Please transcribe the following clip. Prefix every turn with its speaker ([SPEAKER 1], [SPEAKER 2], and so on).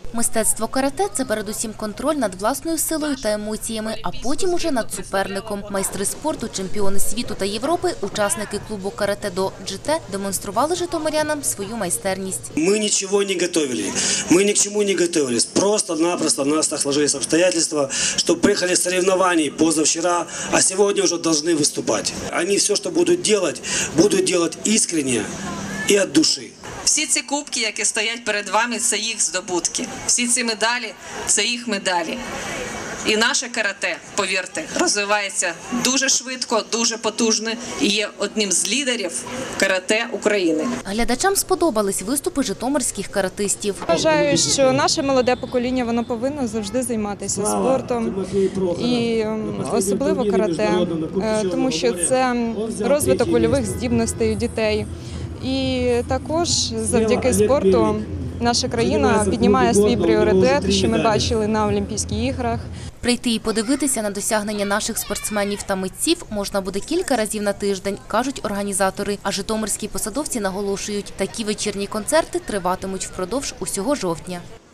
[SPEAKER 1] Мистецтво карате – це передусім контроль над власною силою та емоціями, а потім уже над суперником. Майстри спорту, чемпіони світу та Європи, учасники клубу карате-до «GT» демонстрували житомирянам свою майстерність.
[SPEAKER 2] Мы ничего не готовили, мы ни к чему не готовились. Просто-напросто у нас так сложились обстоятельства, что приехали с соревнований позавчера, а сегодня уже должны выступать. Они все, что будут делать искренне и от души.
[SPEAKER 3] Всі ці кубки, які стоять перед вами, це їх здобутки. Всі ці медалі – це їх медалі. І наше карате, повірте, розвивається дуже швидко, дуже потужно і є одним з лідерів карате України.
[SPEAKER 1] Глядачам сподобались виступи житомирських каратистів.
[SPEAKER 4] Вважаю, що наше молоде покоління воно повинно завжди займатися спортом і особливо карате, тому що це розвиток вольових здібностей у дітей. І також завдяки спорту наша країна піднімає свій пріоритет, що ми бачили на Олімпійських іграх.
[SPEAKER 1] Прийти і подивитися на досягнення наших спортсменів та митців можна буде кілька разів на тиждень, кажуть організатори. А житомирські посадовці наголошують, такі вечірні концерти триватимуть впродовж усього жовтня.